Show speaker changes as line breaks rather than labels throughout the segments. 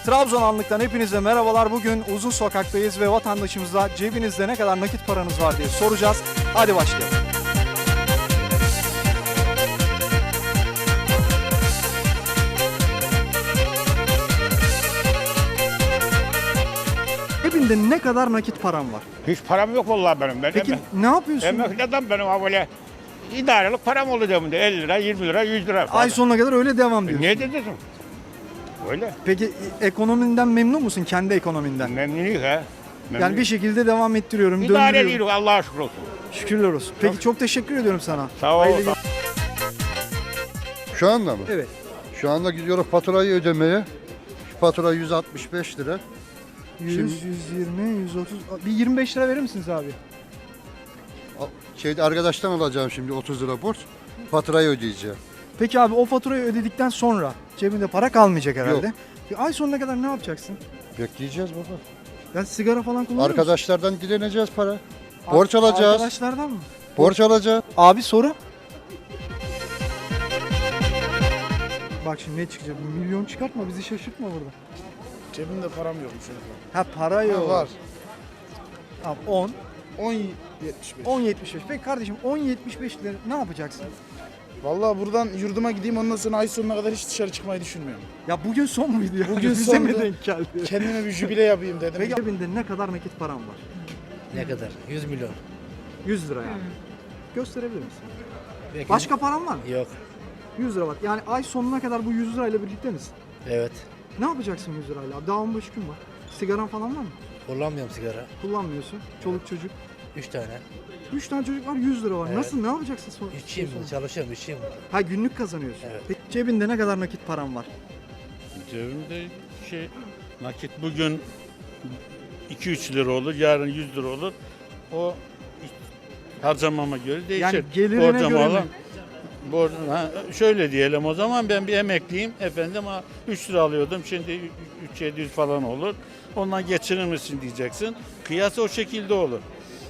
Trabzon Anlık'tan hepinize merhabalar. Bugün Uzun Sokak'tayız ve vatandaşımıza cebinizde ne kadar nakit paranız var diye soracağız. Hadi başlayalım. Cebinde ne kadar nakit param var?
Hiç param yok vallahi benim. Ben
Peki ne yapıyorsun?
emekli adam benim ha böyle idarelik param oldu cebimde. 50 lira, 20 lira, 100 lira.
Ay sonuna kadar öyle devam diyorsun.
Ne dedin? Öyle.
Peki ekonominden memnun musun? Kendi ekonominden?
Memnuniyet ha.
Yani bir şekilde devam ettiriyorum,
İdare
döndürüyorum.
ediyoruz Allah'a şükür olsun.
Şükürler olsun. Peki çok teşekkür ediyorum sana.
Sağ ol.
Hayırlı
Şu anda mı?
Evet.
Şu anda gidiyoruz faturayı ödemeye. Şu fatura 165 lira.
100,
Şimdi-
120, 130. Bir 25 lira verir misiniz abi?
Şeyde arkadaştan alacağım şimdi 30 lira borç. Faturayı ödeyeceğim.
Peki abi o faturayı ödedikten sonra cebinde para kalmayacak herhalde.
Yok.
Bir ay sonuna kadar ne yapacaksın?
Bekleyeceğiz baba.
Ya sigara falan kullanıyor musun?
Arkadaşlardan dileneceğiz para. Borç alacağız.
Arkadaşlardan mı?
Borç alacağız.
Abi soru. Bak şimdi ne çıkacak? Bir milyon çıkartma, bizi şaşırtma burada.
Cebimde param yokmuş.
Ha para yok.
Var.
Tamam 10,
10.75.
10.75. Peki kardeşim 10.75 lira ne yapacaksın?
Vallahi buradan yurduma gideyim, ondan sonra ay sonuna kadar hiç dışarı çıkmayı düşünmüyorum.
Ya bugün son muydu ya?
Bugün
Bize mi
sondu.
denk geldi?
Kendime bir jübile yapayım dedim.
Peki cebinde ne kadar nakit param var?
Ne kadar? 100 milyon.
100 lira yani. Gösterebilir misin?
Peki.
Başka param var mı?
Yok.
100 lira var. Yani ay sonuna kadar bu 100 lirayla birlikte misin?
Evet.
Ne yapacaksın 100 lirayla? Abi? Daha 15 gün var. Sigaran falan var mı?
Kullanmıyorum sigara.
Kullanmıyorsun. Çoluk çocuk.
3 tane.
3 tane çocuk var 100 lira var.
Evet.
Nasıl ne yapacaksın sonra?
İşçiyim ben. Çalışıyorum, işçiyim.
Ha günlük kazanıyorsun.
Evet.
Peki cebinde ne kadar nakit param var?
Cebimde nakit bugün 2-3 lira olur, yarın 100 lira olur. O harcamama göre değişir.
Yani gelirine
Borcama
göre mi?
olan- şöyle diyelim o zaman ben bir emekliyim efendim 3 lira alıyordum şimdi 3-700 falan olur. Ondan geçinir misin diyeceksin. Kıyası o şekilde olur.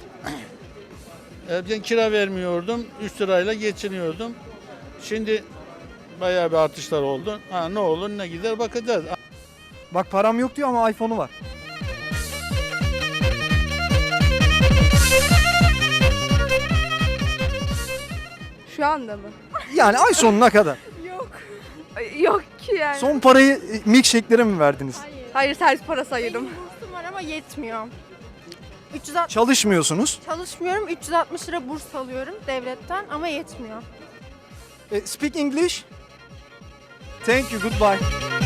Ben kira vermiyordum 3 lirayla geçiniyordum. Şimdi bayağı bir artışlar oldu. Ne olur ne gider bakacağız.
Bak param yok diyor ama iPhone'u var.
Şu anda mı?
Yani ay sonuna kadar.
Yok. Yok ki yani.
Son parayı milkshake'lere mi verdiniz?
Hayır, servis parası ayırdım.
Bursum var ama yetmiyor. 360
Çalışmıyorsunuz.
çalışmıyorum. 360 lira burs alıyorum devletten ama yetmiyor.
Speak English. Thank you, goodbye.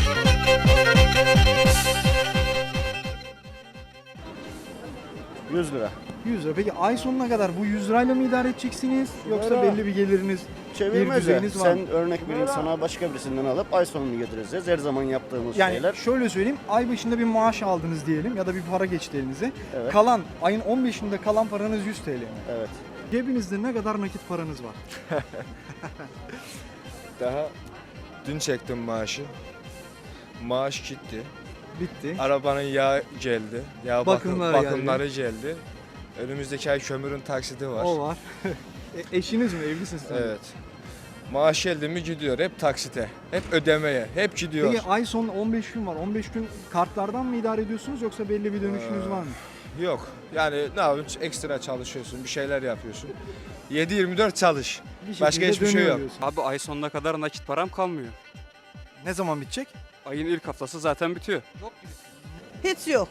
Lira.
100 lira. Peki ay sonuna kadar bu 100 lirayla mı idare edeceksiniz? Yoksa
Lira.
belli bir geliriniz, bir
Çevirmez ya.
düzeyiniz var mı?
Sen örnek vereyim sana başka birisinden alıp ay sonunu getireceğiz. Her zaman yaptığımız
Yani
şeyler.
şöyle söyleyeyim, ay başında bir maaş aldınız diyelim ya da bir para geçti elinize.
Evet.
Kalan, ayın 15'inde kalan paranız 100 TL mi?
Evet.
Cebinizde ne kadar nakit paranız var?
Daha dün çektim maaşı. Maaş gitti.
Bitti.
Arabanın yağı geldi. Yağ
Bakımları
bakımları geldi. Önümüzdeki ay kömürün taksidi var.
O var. Eşiniz mi? Evlisiniz sen?
Evet. Maaş geldi mi gidiyor hep taksite. Hep ödemeye. Hep gidiyor.
Peki ay sonu 15 gün var. 15 gün kartlardan mı idare ediyorsunuz yoksa belli bir dönüşünüz var mı?
Yok. Yani ne yapıyorsun? Ekstra çalışıyorsun. Bir şeyler yapıyorsun. 7-24 çalış.
Bir
Başka
şekilde
hiçbir şey
dönüyor
yok.
diyorsun.
Abi ay sonuna kadar nakit param kalmıyor.
Ne zaman bitecek?
Ayın ilk haftası zaten bitiyor.
Hiç yok.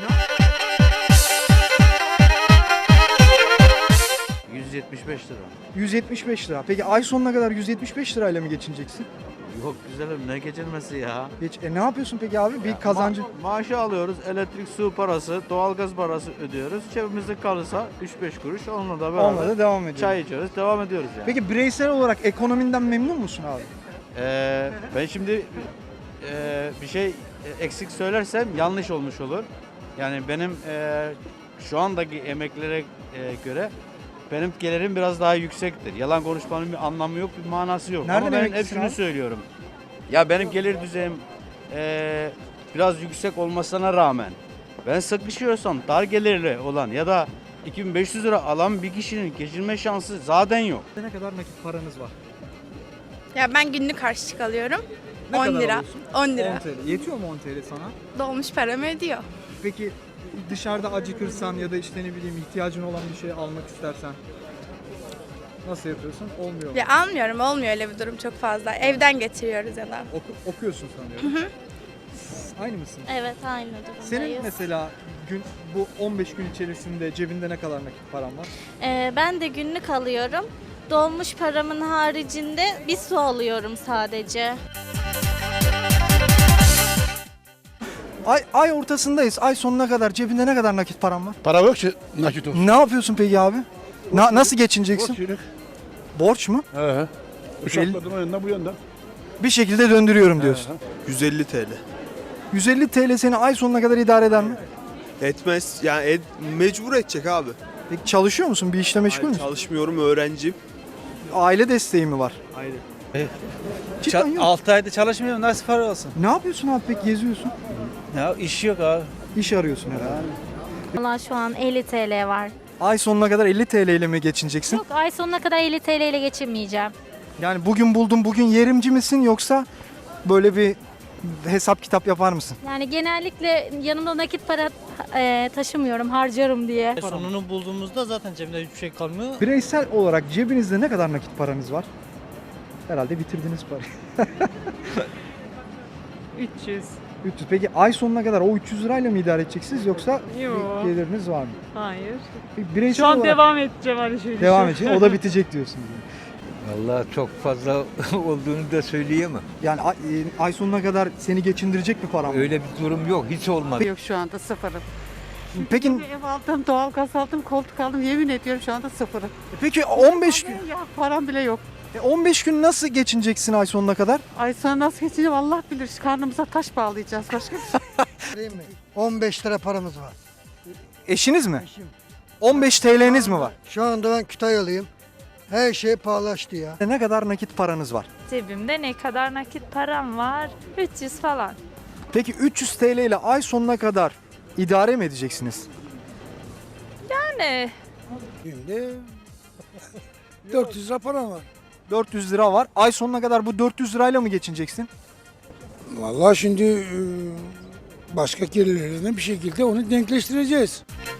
175 lira.
175 lira. Peki ay sonuna kadar 175 lirayla mı geçineceksin?
Yok güzelim, ne geçilmesi ya.
Geç. Ne yapıyorsun peki abi? Bir kazancı.
Maaşı alıyoruz, elektrik, su parası, doğalgaz parası ödüyoruz. Cebimizde kalırsa 3-5 kuruş onunla da beraber
Onunla da devam ediyor.
çay içiyoruz, devam ediyoruz yani.
Peki bireysel olarak ekonominden memnun musun abi?
Ben şimdi bir şey eksik söylersem yanlış olmuş olur. Yani benim şu andaki emeklilere göre benim gelirim biraz daha yüksektir. Yalan konuşmanın bir anlamı yok, bir manası yok.
Nereden
Ama ben hep
emeklisin
şunu
abi?
söylüyorum. Ya benim gelir düzeyim biraz yüksek olmasına rağmen ben sıkışıyorsam dar gelirli olan ya da 2500 lira alan bir kişinin geçinme şansı zaten yok.
Ne kadar nakit paranız var?
Ya ben günlük harçlık alıyorum.
Ne
10
kadar
lira.
alıyorsun?
10
10
lira.
TL. Yetiyor mu 10 TL sana?
Dolmuş paramı ödüyor.
Peki dışarıda acıkırsan ya da işte ne bileyim ihtiyacın olan bir şey almak istersen nasıl yapıyorsun? Olmuyor mu?
Ya almıyorum, olmuyor öyle bir durum çok fazla. Evden getiriyoruz ya da.
Okuyorsun sanıyorum. Aynı mısın?
Evet, aynı durumdayız.
Senin mesela bu 15 gün içerisinde cebinde ne kadar nakit paran var?
Ben de günlük alıyorum. Dolmuş paramın haricinde bir su alıyorum sadece.
Ay ortasındayız. Ay sonuna kadar cebinde ne kadar nakit paran var?
Para yok ki nakit olsun.
Ne yapıyorsun peki abi? Nasıl geçineceksin? Borç mu?
He.
Uçakladın
o yönden bu yönden.
Bir şekilde döndürüyorum diyorsun.
150 TL.
150 TL seni ay sonuna kadar idare eder mi?
Etmez. Yani mecbur edecek abi.
Peki çalışıyor musun? Bir işle meşgul müsün?
Çalışmıyorum, öğrenciyim.
Aile desteği mi var?
Aynen.
Cidden yok.
6 ayda çalışmıyorum, nasıl para olsun?
Ne yapıyorsun abi peki geziyorsun?
Ya iş yok abi.
İş arıyorsun herhalde.
Valla şu an 50 TL var.
Ay sonuna kadar 50 TL ile mi geçineceksin?
Yok, ay sonuna kadar 50 TL ile geçinmeyeceğim.
Yani bugün buldum bugün yerimci misin yoksa böyle bir hesap kitap yapar mısın?
Yani genellikle yanımda nakit para taşımıyorum, harcarım diye.
Sonunu bulduğumuzda zaten cebimde hiçbir şey kalmıyor.
Bireysel olarak cebinizde ne kadar nakit paranız var? Herhalde bitirdiniz parayı.
300.
300. Peki ay sonuna kadar o 300 lirayla mı idare edeceksiniz yoksa
Yok.
bir geliriniz var mı?
Hayır.
Peki bireysel olarak
edeceğim her şeyi.
devam edecek. O da bitecek diyorsunuz.
Vallahi çok fazla olduğunu da söyleyemem.
Yani ay sonuna kadar seni geçindirecek bir param var.
Öyle bir durum yok, hiç olmadı.
Yok şu anda sıfırım.
Peki
Ev aldım, doğalgaz aldım, koltuk aldım. Yemin ediyorum şu anda sıfırım.
peki 15 gün
Ya param bile yok.
15 gün nasıl geçineceksin ay sonuna kadar?
Ay sonra nasıl geçeceğim Allah bilir. Karnımıza taş bağlayacağız. Başka bir şey.
15 lira paramız var.
Eşiniz mi? 15 TL'niz mi var?
Şu anda ben Kütahyalıyım. Her şey pahalaştı ya.
Ne kadar nakit paranız var?
Cebimde ne kadar nakit param var? 300 falan.
Peki 300 TL ile ay sonuna kadar idare mi edeceksiniz?
Yani
Şimdi 400 lira param var.
400 lira var. Ay sonuna kadar bu 400 lirayla mı geçineceksin?
Vallahi şimdi başka gelirlerine bir şekilde onu denkleştireceğiz.